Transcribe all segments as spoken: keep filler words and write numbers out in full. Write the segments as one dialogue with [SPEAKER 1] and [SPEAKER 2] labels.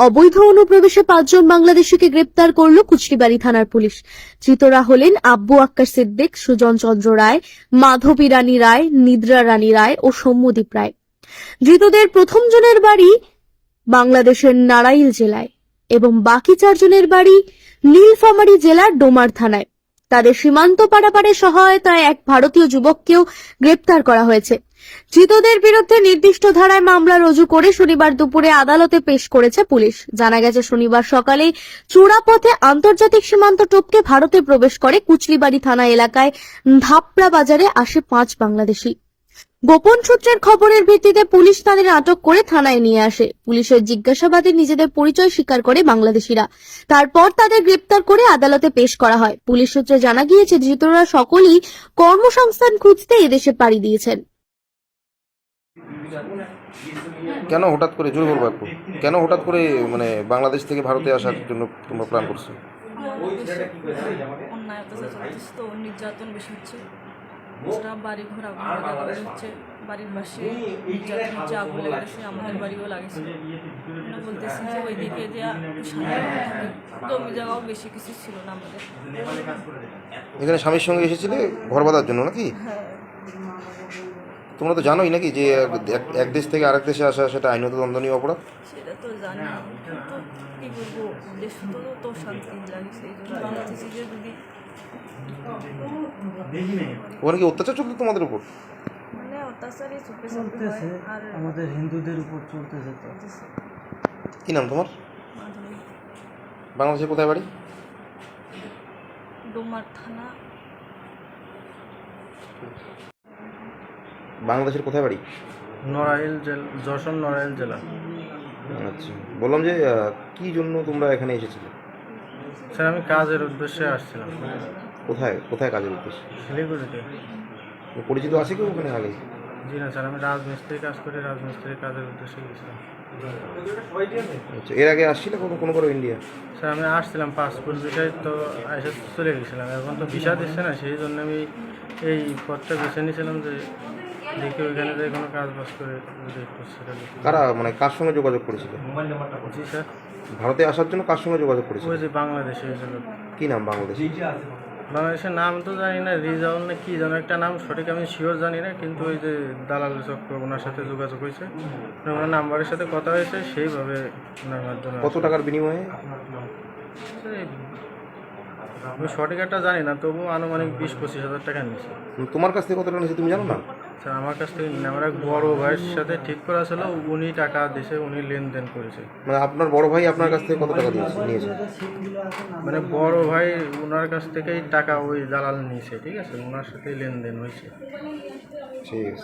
[SPEAKER 1] অবৈধ অনুপ্রবেশে পাঁচজন বাংলাদেশিকে গ্রেপ্তার করল কুচটিবাড়ি থানার পুলিশ। ধৃতরা হলেন আব্বু আক্কার সিদ্দিক, সুজন চন্দ্র রায়, মাধবী রানী রায়, নিদ্রা রানী রায় ও সৌম্যদীপ রায়। ধৃতদের প্রথম জনের বাড়ি বাংলাদেশের নারাইল জেলায় এবং বাকি চারজনের বাড়ি নীলফামারী জেলার ডোমার থানায়। তাদের সীমান্ত পারাপারে সহায়তায় এক ভারতীয় যুবককেও গ্রেপ্তার করা হয়েছে। ধৃতদের বিরুদ্ধে নির্দিষ্ট ধারায় মামলা রুজু করে শনিবার দুপুরে আদালতে পেশ করেছে পুলিশ। জানা গেছে, শনিবার সকালে চূড়াপথে আন্তর্জাতিক সীমান্ত টপকে ভারতে প্রবেশ করে কুচলিবাড়ি থানা এলাকায় ধাপড়া বাজারে আসে পাঁচ বাংলাদেশি। গোপন সূত্রের খবরের ভিত্তিতে পুলিশ তাদের আটক করে থানায় নিয়ে আসে। পুলিশের জিজ্ঞাসাবাদে নিজেদের পরিচয় স্বীকার করে বাংলাদেশিরা। তারপর তাদের গ্রেপ্তার করে আদালতে পেশ করা হয়। পুলিশ সূত্রে জানা গিয়েছে, ধৃতরা সকলেই কর্মসংস্থান খুঁজতে এদেশে পাড়ি দিয়েছেন।
[SPEAKER 2] কেন হঠাৎ করে জোরে বলবো একটু কেন হঠাৎ করে মানে বাংলাদেশ থেকে ভারতে আসার জন্য তোমরা প্ল্যান করছো?
[SPEAKER 3] অন্যায় অত্যাচার চলতেছে, তো নির্যাতন বেশি হচ্ছে। সেটা বাড়ি ঘর আগুন লাগানো হচ্ছে, বাড়ির পাশে নির্যাতন হচ্ছে, আগুন লাগাচ্ছে, আমাদের বাড়িও লাগেছে। বলতেছি যে ওইদিকে যে জমি জায়গাও বেশি কিছু ছিল না আমাদের।
[SPEAKER 2] এখানে স্বামীর সঙ্গে এসেছিলে ঘর বাঁধার জন্য নাকি?
[SPEAKER 3] হ্যাঁ।
[SPEAKER 2] তোমরা তো জানোই নাকি যে এক- এক দেশ থেকে আরেক দেশে আসা সেটা আইনত দণ্ডনীয় অপরাধ?
[SPEAKER 3] সেটা তো জানি, কিন্তু কি করবো, দেশ তো তো শান্তি লাগছে। এই জন্য বাংলাদেশি যে যদি
[SPEAKER 2] ওখানে কি অত্যাচার চলতো তোমাদের উপর?
[SPEAKER 3] মানে অত্যাচারই চোখে
[SPEAKER 4] চলতেছে,
[SPEAKER 3] আর
[SPEAKER 4] আমাদের হিন্দুদের উপর চলতেছে। তো
[SPEAKER 2] কি নাম তোমার?
[SPEAKER 3] মাধবী।
[SPEAKER 2] বাংলাদেশের কোথায় বাড়ি?
[SPEAKER 3] ডোমার থানা।
[SPEAKER 2] বাংলাদেশের কোথায় বাড়ি?
[SPEAKER 4] নড়াইল জেলা, যশোর নড়াইল জেলা।
[SPEAKER 2] আচ্ছা, বললাম যে আহ, কি জন্য তোমরা এখানে এসেছিলে?
[SPEAKER 4] স্যার আমি কাজের উদ্দেশ্যে আসছিলাম
[SPEAKER 2] কোথায় কোথায় কাজের উদ্দেশ্যে?
[SPEAKER 4] শিলিগুড়িতে।
[SPEAKER 2] পরিচিত আছে কেউ ওখানে আগে?
[SPEAKER 4] জি না স্যার, আমি রাজমিস্ত্রি কাজ করি, রাজমিস্ত্রির কাজের উদ্দেশ্যে গেছিলাম।
[SPEAKER 2] আচ্ছা, এর আগে আসছিলে কোনো কোনো করে ইন্ডিয়া?
[SPEAKER 4] স্যার আমি আসছিলাম পাসপোর্ট বিষয়ে, তো এসে চলে গেছিলাম। এখন তো ভিসা দিচ্ছে না, সেই জন্য আমি এই পথটা বেছে নিয়েছিলাম যে দেখি ওইখানে যে কোনো কাজ বাজ করে যদি একটু সেটা দেখি।
[SPEAKER 2] কারা মানে কার সঙ্গে যোগাযোগ করেছিল
[SPEAKER 4] জি স্যার,
[SPEAKER 2] ভারতে আসার জন্য? কার সঙ্গে যোগাযোগ করেছিল?
[SPEAKER 4] ওই যে বাংলাদেশে হয়েছিল।
[SPEAKER 2] কি নাম বাংলাদেশ?
[SPEAKER 4] বাংলাদেশের নাম তো জানি না, রিজাউল না কি যেন একটা নাম, সঠিক আমি শিওর জানি না, কিন্তু ওই যে দালাল চক্র ওনার সাথে যোগাযোগ হয়েছে, ওনার নাম্বারের সাথে কথা হয়েছে, সেইভাবে ওনার মাধ্যমে।
[SPEAKER 2] কত টাকার বিনিময়ে?
[SPEAKER 4] আমি সঠিক একটা জানি না, তবু আনুমানিক বিশ পঁচিশ হাজার টাকা নিয়েছে।
[SPEAKER 2] তোমার কাছ থেকে কত টাকা নিয়েছে তুমি জানো না?
[SPEAKER 4] স্যার আমার কাছ থেকে নিয়ে আমার এক বড় ভাইয়ের সাথে ঠিক করা ছিল, উনি টাকা দিয়েছে, উনি লেনদেন করেছে।
[SPEAKER 2] মানে আপনার বড় ভাই আপনার কাছ থেকে কত টাকা দিয়েছে নিয়েছে?
[SPEAKER 4] মানে বড় ভাই ওনার কাছ থেকেই টাকা ওই দালাল নিয়েছে, ঠিক আছে, ওনার সাথেই লেনদেন হয়েছে।
[SPEAKER 2] ঠিক আছে।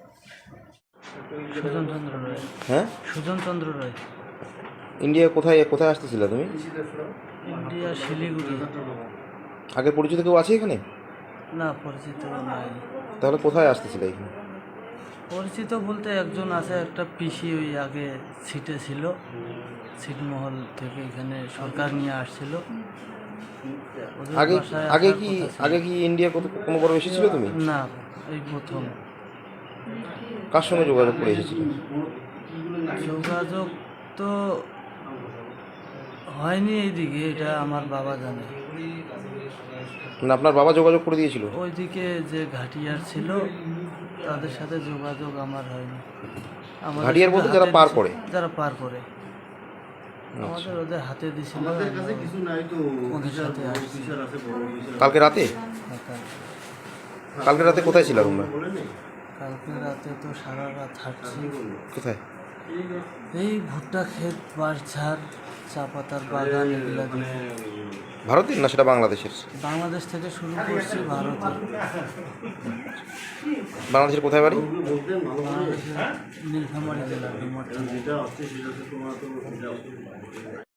[SPEAKER 4] সুজন চন্দ্র রায়।
[SPEAKER 2] হ্যাঁ,
[SPEAKER 4] সুজন চন্দ্র রায়।
[SPEAKER 2] ইন্ডিয়া কোথায় কোথায় আসতেছিলে তুমি?
[SPEAKER 4] ইন্ডিয়া শিলিগুড়ি।
[SPEAKER 2] আগে পরিচিত কেউ আছে এখানে?
[SPEAKER 4] না, পরিচিত নাই।
[SPEAKER 2] তাহলে কোথায় আসতেছিলে এখানে?
[SPEAKER 4] পরিচিত বলতে একজন আছে, একটা পিসি ওই আগে সিটে ছিল, ছিটমহল থেকে এখানে সরকার নিয়ে আসছিল। ওদের
[SPEAKER 2] আগে
[SPEAKER 4] বাসায়
[SPEAKER 2] আগে
[SPEAKER 4] আসার
[SPEAKER 2] কি
[SPEAKER 4] কথা ছিল।
[SPEAKER 2] আগে কি ইন্ডিয়া কত কোনো বড় এসেছিলে তুমি?
[SPEAKER 4] না, এই প্রথম।
[SPEAKER 2] কার সঙ্গে যোগাযোগ করে এসেছিলে?
[SPEAKER 4] যোগাযোগ তো হয়নি এইদিকে, এটা আমার বাবা জানে।
[SPEAKER 2] মানে আপনার বাবা যোগাযোগ করে দিয়েছিল?
[SPEAKER 4] ওইদিকে যে ঘাটিয়ার ছিল তাদের সাথে যোগাযোগ আমার হয়নি। আমাদের
[SPEAKER 2] ঘাটিয়ার বলতে
[SPEAKER 4] সাথে
[SPEAKER 2] যারা
[SPEAKER 4] হাতে
[SPEAKER 2] পার
[SPEAKER 4] দিছে-
[SPEAKER 2] করে?
[SPEAKER 4] যারা পার করে আমাদের ওদের হাতে দিছিল। ওদের সাথে আসছি।
[SPEAKER 2] কালকে রাতে? কালকে রাতে কোথায় ছিল তোমরা?
[SPEAKER 4] কালকে রাতে তো সারা রাত হাঁটছি।
[SPEAKER 2] কোথায়?
[SPEAKER 4] এই ভুট্টা ক্ষেত, বাঁশঝাড়, চা পাতার বাগান, এগুলা দিয়ে।
[SPEAKER 2] ভারতের না সেটা বাংলাদেশের?
[SPEAKER 4] বাংলাদেশ থেকে শুরু করছি, ভারতে।
[SPEAKER 2] বাংলাদেশের কোথায় বাড়ি?
[SPEAKER 4] বাংলাদেশের নীলফামারী জেলা, ডুমারথানা।